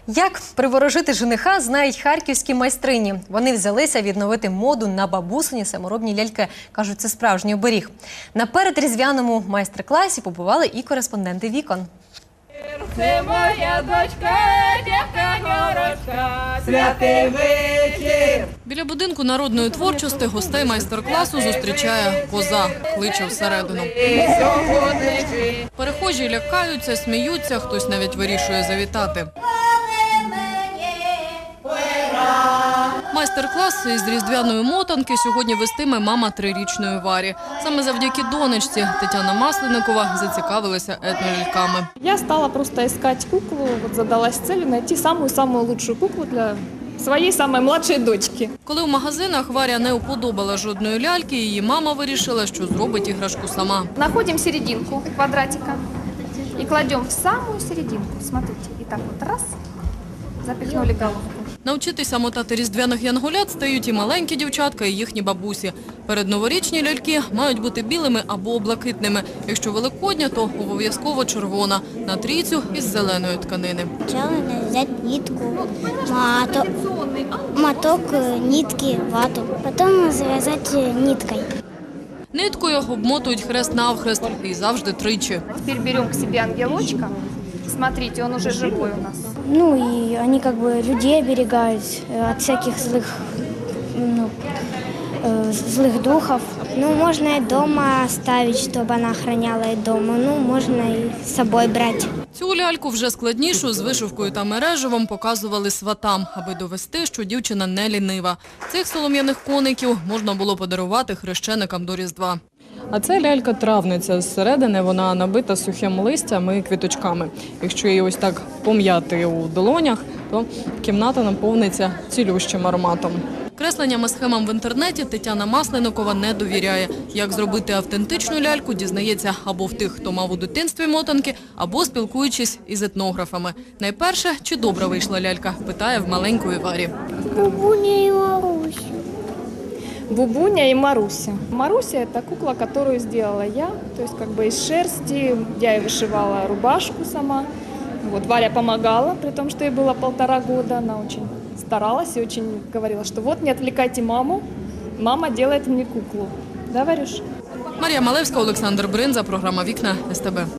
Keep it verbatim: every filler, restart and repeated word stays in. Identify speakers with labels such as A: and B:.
A: Як приворожити жениха, знають харківські майстрині. Вони взялися відновити моду на бабусині саморобні ляльки. Кажуть, це справжній оберіг. На передріздвяному майстер-класі побували і кореспонденти «Вікон».
B: Це моя дочка, дівка-горочка, святий вечір.
C: Біля будинку народної творчості гостей майстер-класу зустрічає коза, кличе всередину. Перехожі лякаються, сміються, хтось навіть вирішує завітати. Майстер-клас із різдвяної мотанки сьогодні вестиме мама трирічної Варі. Саме завдяки донечці Тетяна Масленникова зацікавилася етноляльками.
D: Я стала просто искать куклу, вот задалась целью найти самую-самую лучшую куклу для своей самой младшей дочки.
C: Коли в магазинах Варя не уподобала жодної ляльки, її мама вирішила, що зробить іграшку сама.
D: Находим серединку квадратика и кладем в самую серединку. Смотрите, и так вот раз, запихнули головку.
C: Навчитися мотати різдвяних янголят стають і маленькі дівчатка, і їхні бабусі. Передноворічні ляльки мають бути білими або блакитними. Якщо великодня, то обов'язково червона. На трійцю із зеленої тканини.
E: Сначала надо взять нитку, маток, моток нитки, вату. Потом завязать ниткой.
C: Ниткою обмотують хрест-навхрест і завжди тричі.
D: Теперь берем к себе ангелочка. Смотрите, он уже живой у нас.
E: Ну и они как бы людей оберегают от всяких злых, ну, э, злых духов. Ну, можно и дома оставить, чтобы она охраняла и дома. Ну, можно и с собой брать.
C: Цю ляльку вже складнішу з вишивкою та мереживом показували сватам, аби довести, що дівчина не лінива. Цих солом'яних коників можна було подарувати хрещеникам до Різдва.
F: А це лялька-травниця. Зсередини вона набита сухим листям і квіточками. Якщо її ось так пом'яти у долонях, то кімната наповниться цілющим ароматом.
C: Кресленням і схемам в інтернеті Тетяна Масленникова не довіряє. Як зробити автентичну ляльку, дізнається або в тих, хто мав у дитинстві мотанки, або спілкуючись із етнографами. Найперше, чи добра вийшла лялька, питає в маленької Варі.
E: Бубуня и Маруся.
D: Бубуня и Маруся. Маруся – это кукла, которую сделала я, то есть как бы из шерсти. Я ей вышивала рубашку сама. Вот Варя помогала, при том, что ей было полтора года. Она очень старалась и очень говорила, что вот не отвлекайте маму, мама делает мне куклу. Да, Варюш?
C: Марія Малевська, Олександр Бринза, програма «Вікна», ес те бе.